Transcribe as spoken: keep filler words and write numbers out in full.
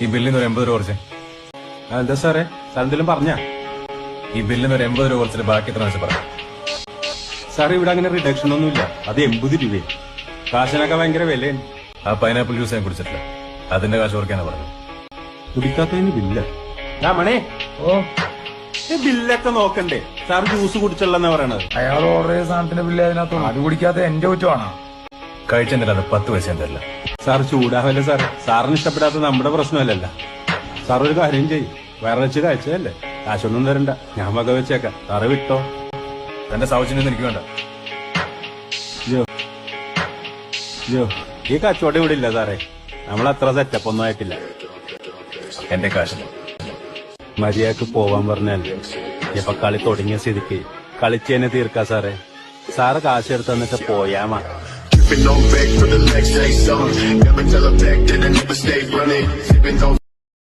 ഈ ബില്ലിന് ഒരു എൺപത് രൂപ കുറച്ച്. എന്താ സാറേ സാറെന്തെങ്കിലും പറഞ്ഞാ? ഈ ബില്ലിന് ഒരു എൺപത് രൂപ കുറച്ചിട്ട് ബാക്കി എത്ര വെച്ച് പറയാം. സാറേ ഇവിടെ അങ്ങനെ റിഡക്ഷൻ ഒന്നുമില്ല. അത് എൺപത് രൂപയും കാശിനൊക്കെ ഭയങ്കര വിലയാണ്. ആ പൈനാപ്പിൾ ജ്യൂസ് ഞാൻ കുടിച്ചിട്ടില്ല, അതിന്റെ കാശ് ഓർക്കാനാ പറഞ്ഞു. കുടിക്കാത്തതിന് ബില്ല മണേ. ഓ ഈ ബില്ലൊക്കെ നോക്കണ്ടേ? സാർ ജ്യൂസ് കുടിച്ചുള്ളെന്നാ പറയണത്. അയാൾ ഓർഡർ ചെയ്ത സാധനത്തിന്റെ ബില്ല് അതിനകത്ത്. അത് കുടിക്കാത്ത എന്റെ കുറ്റമാണോ? കഴിച്ചെന്നില്ല, അത് പത്ത് പൈസ തരില്ല. സാർ ചൂടാവല്ലേ സാറേ? സാറിന് ഇഷ്ടപ്പെടാത്ത നമ്മുടെ പ്രശ്നമല്ലല്ല. സാർ ഒരു കാര്യം ചെയ്യും, വേറെ വെച്ച് കഴിച്ചതല്ലേ, കാശൊന്നും തരണ്ട, ഞാൻ വക വെച്ചേക്കാം. സാറ് വിട്ടോ. എന്റെ സൗജന്യം എനിക്ക് വേണ്ട. അയ്യോ അയ്യോ ഈ കച്ചവടം ഇവിടെ ഇല്ല സാറേ. നമ്മളത്ര സെറ്റപ്പ് ഒന്നും ആയിട്ടില്ല. എന്റെ കാശ് മര്യാദക്ക് പോവാൻ പറഞ്ഞാൽ ഇപ്പൊ കളി തുടങ്ങിയ സ്ഥിതിക്ക് കളിച്ചേനെ തീർക്കാ സാറേ. സാറ് കാശ് എടുത്ത് തന്നിട്ട് പോയാമാ. Sipping on back for the next day, so never tell her back, then I never stay running. Sipping on